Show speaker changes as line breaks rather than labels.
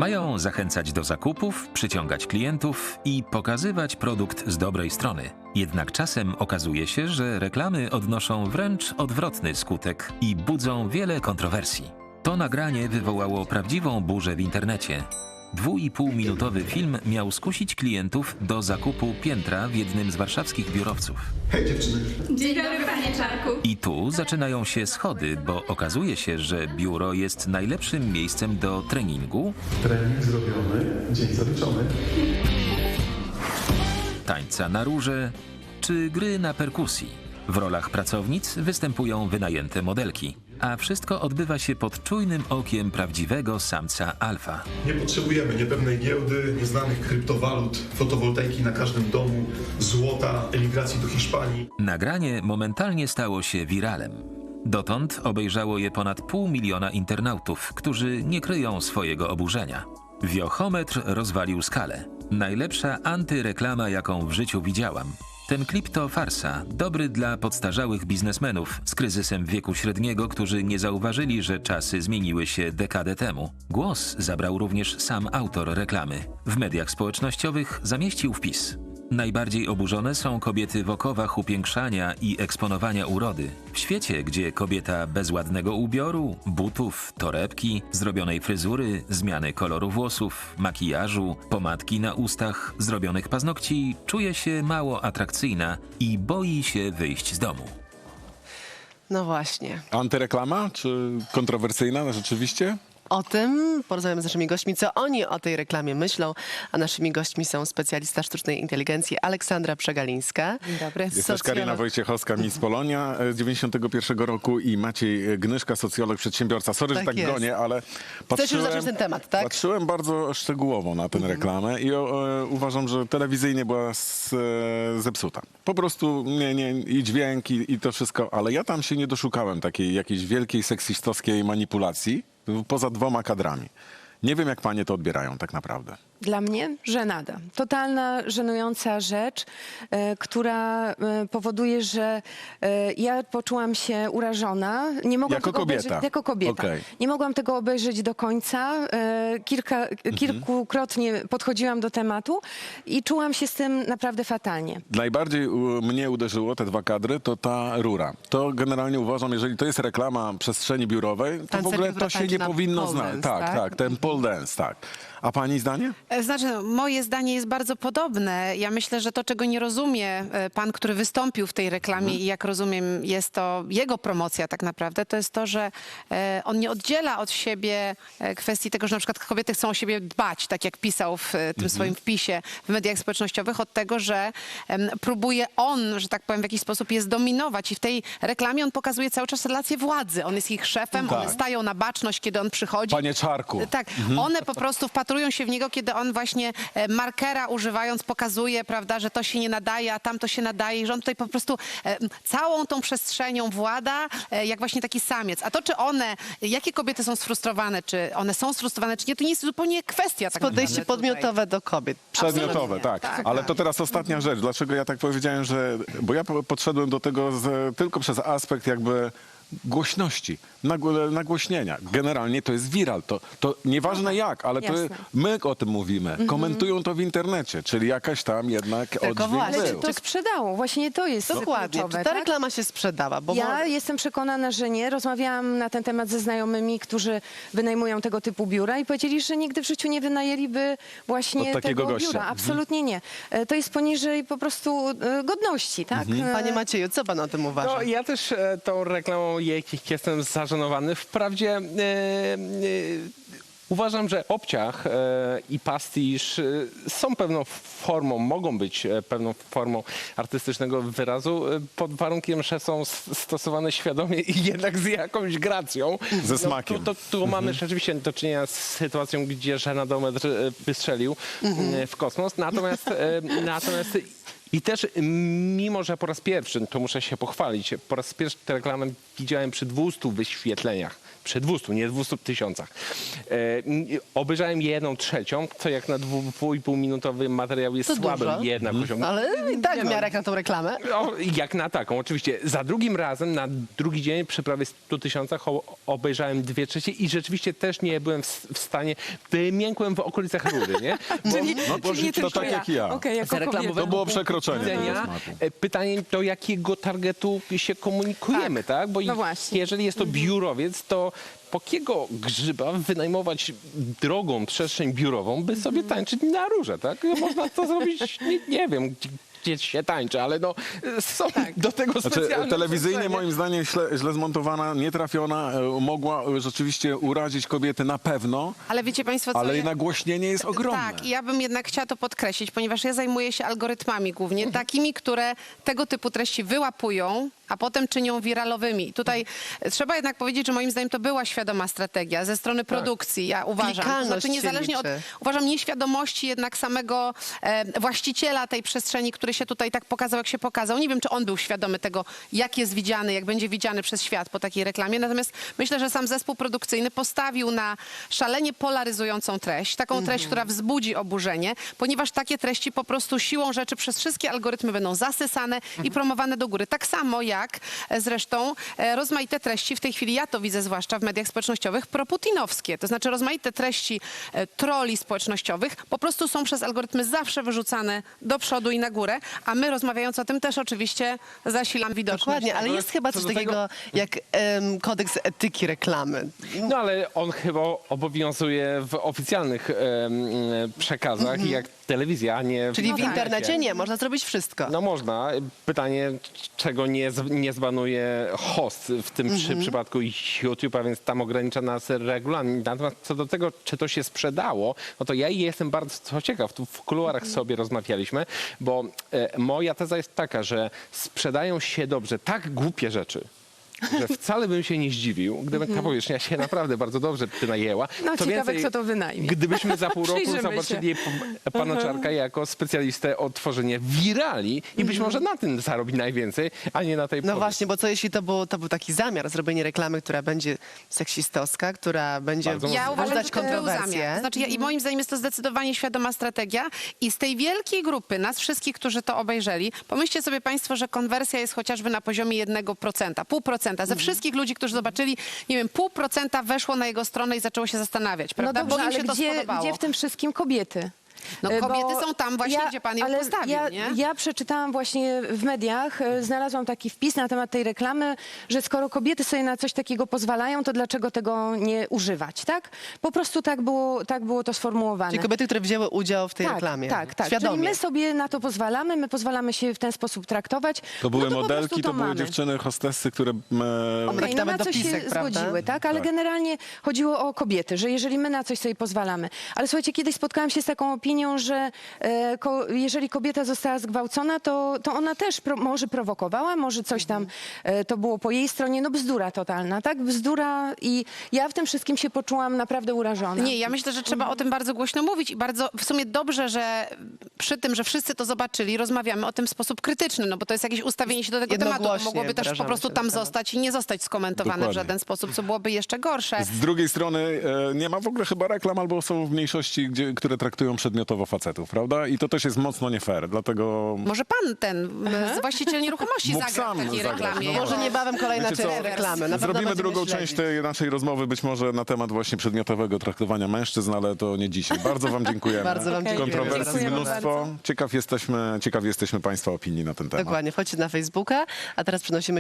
Mają zachęcać do zakupów, przyciągać klientów i pokazywać produkt z dobrej strony. Jednak czasem okazuje się, że reklamy odnoszą wręcz odwrotny skutek i budzą wiele kontrowersji. To nagranie wywołało prawdziwą burzę w internecie. 2,5-minutowy film miał skusić klientów do zakupu piętra w jednym z warszawskich biurowców.
Hej dziewczyny.
Dzień dobry, panie Czarku.
I tu zaczynają się schody, bo okazuje się, że biuro jest najlepszym miejscem do treningu,
Trening zrobiony, dzień zaliczony.
tańca na róże czy gry na perkusji. W rolach pracownic występują wynajęte modelki, a wszystko odbywa się pod czujnym okiem prawdziwego samca alfa.
Nie potrzebujemy niepewnej giełdy, nieznanych kryptowalut, fotowoltaiki na każdym domu, złota, emigracji do Hiszpanii.
Nagranie momentalnie stało się wiralem. Dotąd obejrzało je ponad 500 000 internautów, którzy nie kryją swojego oburzenia. Wiochometr rozwalił skalę. Najlepsza antyreklama, jaką w życiu widziałam. Ten klip to farsa, dobry dla podstarzałych biznesmenów z kryzysem wieku średniego, którzy nie zauważyli, że czasy zmieniły się dekadę temu. Głos zabrał również sam autor reklamy. W mediach społecznościowych zamieścił wpis: najbardziej oburzone są kobiety w okowach upiększania i eksponowania urody. W świecie, gdzie kobieta bez ładnego ubioru, butów, torebki, zrobionej fryzury, zmiany koloru włosów, makijażu, pomadki na ustach, zrobionych paznokci, czuje się mało atrakcyjna i boi się wyjść z domu.
No właśnie.
Antyreklama, czy kontrowersyjna rzeczywiście?
O tym porozmawiamy z naszymi gośćmi, co oni o tej reklamie myślą, a naszymi gośćmi są specjalista sztucznej inteligencji Aleksandra Przegalińska.
Dzień dobry.
Jest też Karina Wojciechowska, Miss Polonia z 91 roku i Maciej Gnyszka, socjolog, przedsiębiorca. Sorry, że
Tak
tak
jest.
gonię, ale
Chcesz już zacząć ten temat, tak?
patrzyłem bardzo szczegółowo na tę reklamę i uważam, że telewizyjnie była zepsuta. Po prostu i dźwięk, i to wszystko, ale ja tam się nie doszukałem takiej jakiejś wielkiej seksistowskiej manipulacji poza 2 kadrami. Nie wiem, jak panie to odbierają tak naprawdę.
Dla mnie żenada. Totalna, żenująca rzecz, która powoduje, że ja poczułam się urażona. Nie mogłam
Jako
tego
kobieta.
obejrzeć, jako kobieta.
Okej.
Nie mogłam tego obejrzeć do końca. Kilkukrotnie podchodziłam do tematu i czułam się z tym naprawdę fatalnie.
Najbardziej mnie uderzyło, te 2 kadry, to ta rura. To generalnie uważam, jeżeli to jest reklama przestrzeni biurowej, to w
Tancerka,
ogóle
która
to się
tańczy
nie
na
powinno
pole
znać.
dance,
Tak,
tak?
tak, ten pole dance, tak. A pani zdanie?
Znaczy, no, moje zdanie jest bardzo podobne. Ja myślę, że to, czego nie rozumie pan, który wystąpił w tej reklamie i jak rozumiem, jest to jego promocja tak naprawdę, to jest to, że on nie oddziela od siebie kwestii tego, że na przykład kobiety chcą o siebie dbać, tak jak pisał w tym swoim wpisie w mediach społecznościowych, od tego, że próbuje on, że tak powiem, w jakiś sposób je zdominować i w tej reklamie on pokazuje cały czas relację władzy. On jest ich szefem,
Tak.
one stają na baczność, kiedy on przychodzi.
Panie Czarku.
Tak, one po prostu wpatrują się w niego, kiedy on właśnie markera używając pokazuje, prawda, że to się nie nadaje, a tamto się nadaje i że on tutaj po prostu całą tą przestrzenią włada, jak właśnie taki samiec. A to, czy one, jakie kobiety są sfrustrowane, czy one są sfrustrowane, czy nie, to nie jest zupełnie kwestia tak
Podejście
naprawdę
podmiotowe do kobiet.
Przedmiotowe,
Absolutnie.
tak.
Tak,
Ale
tak.
to teraz ostatnia rzecz. Dlaczego ja tak powiedziałem, że... Bo ja podszedłem do tego tylko przez aspekt jakby głośności, nagłośnienia. Generalnie to jest viral. To nieważne jak, ale to
Jasne.
my o tym mówimy. Komentują to w internecie, czyli jakaś tam jednak oddźwięk
właśnie,
Ale czy
był.
to sprzedało? Właśnie to jest
Dokładnie.
kluczowe,
Czy ta
tak?
reklama się sprzedała? Bo
Ja jestem przekonana, że nie. Rozmawiałam na ten temat ze znajomymi, którzy wynajmują tego typu biura i powiedzieli, że nigdy w życiu nie wynajęliby właśnie
Od takiego
tego
gościa.
biura. Absolutnie nie. To jest poniżej po prostu godności, tak?
Panie Macieju, co pan o tym uważa?
No, ja też tą reklamą jestem zażenowany. Wprawdzie uważam, że obciach i pastisz są pewną formą, mogą być pewną formą artystycznego wyrazu, pod warunkiem, że są stosowane świadomie i jednak z jakąś gracją.
Ze smakiem.
Tu mamy rzeczywiście do czynienia z sytuacją, gdzie żenadometr wystrzelił w kosmos. Natomiast i też, mimo że po raz pierwszy, to muszę się pochwalić, po raz pierwszy tę reklamę widziałem przy 200 wyświetleniach przy 200, nie 200 tysiącach. Obejrzałem 1/3, co jak na 2,5-minutowy materiał jest
To
słabym
dużo.
jednak osiągnięciem.
Ale i tak w miarę jak na tą reklamę.
No, jak na taką, oczywiście. Za drugim razem, na drugi dzień, przy prawie 100 tysiącach obejrzałem 2/3 i rzeczywiście też nie byłem w stanie, wymiękłem w okolicach rury, nie? Bo,
Czyli nie
to
tylko
tak jak ja.
Okej, jako kobieta.
To było przekroczenie.
widzenia. Pytanie, do jakiego targetu się komunikujemy, tak? Bo
No właśnie.
jeżeli jest to biurowiec, to po jakiego grzyba wynajmować drogą przestrzeń biurową, by sobie tańczyć na rurze, tak? Można to zrobić, nie wiem, gdzie się tańczy, ale no są do tego specjalne
Znaczy, telewizyjnie
przestrzenie.
moim zdaniem źle zmontowana, nietrafiona, mogła rzeczywiście urazić kobiety na pewno,
Ale wiecie państwo, co
ale
ja-
nagłośnienie jest ogromne.
Tak, i ja bym jednak chciała to podkreślić, ponieważ ja zajmuję się algorytmami głównie, takimi, które tego typu treści wyłapują, a potem czynią wiralowymi. I tutaj trzeba jednak powiedzieć, że moim zdaniem to była świadoma strategia ze strony produkcji, ja uważam. To
Klikalność
znaczy
się
niezależnie od,
liczy.
uważam, nieświadomości jednak samego właściciela tej przestrzeni, który się tutaj tak pokazał, jak się pokazał. Nie wiem, czy on był świadomy tego, jak jest widziany, jak będzie widziany przez świat po takiej reklamie. Natomiast myślę, że sam zespół produkcyjny postawił na szalenie polaryzującą treść, taką treść, która wzbudzi oburzenie, ponieważ takie treści po prostu siłą rzeczy przez wszystkie algorytmy będą zasysane i promowane do góry. Tak samo jak zresztą rozmaite treści, w tej chwili ja to widzę zwłaszcza w mediach społecznościowych, proputinowskie. To znaczy rozmaite treści troli społecznościowych po prostu są przez algorytmy zawsze wyrzucane do przodu i na górę, a my rozmawiając o tym też oczywiście zasilamy widoczność.
Dokładnie, ale jest chyba
co
coś
do tego-
takiego jak kodeks etyki reklamy.
No ale on chyba obowiązuje w oficjalnych przekazach, jak telewizja, a nie
Czyli w
internecie.
internecie nie, można zrobić wszystko.
No można. Pytanie, czego nie zbanuje host w tym przypadku YouTube'a, więc tam ogranicza nas regulamin. Natomiast co do tego, czy to się sprzedało, no to ja jestem bardzo ciekaw. Tu w kuluarach sobie rozmawialiśmy, bo moja teza jest taka, że sprzedają się dobrze tak głupie rzeczy, że wcale bym się nie zdziwił, gdyby ta powierzchnia się naprawdę bardzo dobrze wynajęła.
No,
Co
ciekawe,
więcej,
kto to wynajmie.
Gdybyśmy za pół roku
Przyjrzymy
zobaczyli pana Czarka jako specjalistę od tworzenia wirali i być może na tym zarobi najwięcej, a nie na tej
No
powieści.
właśnie, bo co jeśli to był taki zamiar, zrobienie reklamy, która będzie seksistowska, która będzie
Bardzo
Ja uważam,
wzbudzać
że to był zamiar.
kontrowersje.
Znaczy, i moim zdaniem jest to zdecydowanie świadoma strategia i z tej wielkiej grupy, nas wszystkich, którzy to obejrzeli, pomyślcie sobie państwo, że konwersja jest chociażby na poziomie 1%, 0,5%. Ze wszystkich ludzi, którzy zobaczyli, nie wiem, 0,5% weszło na jego stronę i zaczęło się zastanawiać,
No
prawda?
dobrze,
Bo im
ale
się to spodobało.
gdzie w tym wszystkim kobiety?
No
Bo
kobiety są tam właśnie, gdzie pan ją
ale
postawił, nie?
Ja przeczytałam właśnie w mediach, znalazłam taki wpis na temat tej reklamy, że skoro kobiety sobie na coś takiego pozwalają, to dlaczego tego nie używać, tak? Po prostu tak było to sformułowane.
Czyli kobiety, które wzięły udział w tej reklamie.
Tak. Czyli
Świadomie.
my sobie na to pozwalamy, my pozwalamy się w ten sposób traktować.
To były
no to po prostu
modelki, to były
mamy.
dziewczyny, hostessy, które...
Okej,
Okej,
nawet
na coś się
dopisek, prawda?
zgodziły, tak? Ale generalnie chodziło o kobiety, że jeżeli my na coś sobie pozwalamy. Ale słuchajcie, kiedyś spotkałam się z taką opinią, że jeżeli kobieta została zgwałcona, to ona też może prowokowała, może coś tam to było po jej stronie. No bzdura totalna, tak? Bzdura i ja w tym wszystkim się poczułam naprawdę urażona.
Nie, ja myślę, że trzeba o tym bardzo głośno mówić i bardzo w sumie dobrze, że przy tym, że wszyscy to zobaczyli, rozmawiamy o tym w sposób krytyczny, no bo to jest jakieś ustawienie się do tego tematu. To
Jednogłośnie
mogłoby też po
wyrażamy
prostu
się
tam
na temat.
zostać i nie zostać skomentowane w
Dokładnie.
żaden sposób, co byłoby jeszcze gorsze.
Z drugiej strony nie ma w ogóle chyba reklam, albo są w mniejszości, które traktują przedmiotowo facetów, prawda? I to też jest mocno nie fair, dlatego...
Może pan właściciel nieruchomości
Mógł
zagra w
sam
takiej
zagrać,
reklamie.
no
Może niebawem kolejna
Wiecie
część
co?
reklamy. Na pewno
Zrobimy
będziemy
drugą
śledzić.
część tej naszej rozmowy, być może na temat właśnie przedmiotowego traktowania mężczyzn, ale to nie dzisiaj. Bardzo wam dziękujemy.
Bardzo wam dziękujemy za
Kontrowersji
rozmowę.
mnóstwo. Ciekaw jesteśmy państwa opinii na ten temat.
Dokładnie, wchodźcie na Facebooka, a teraz przenosimy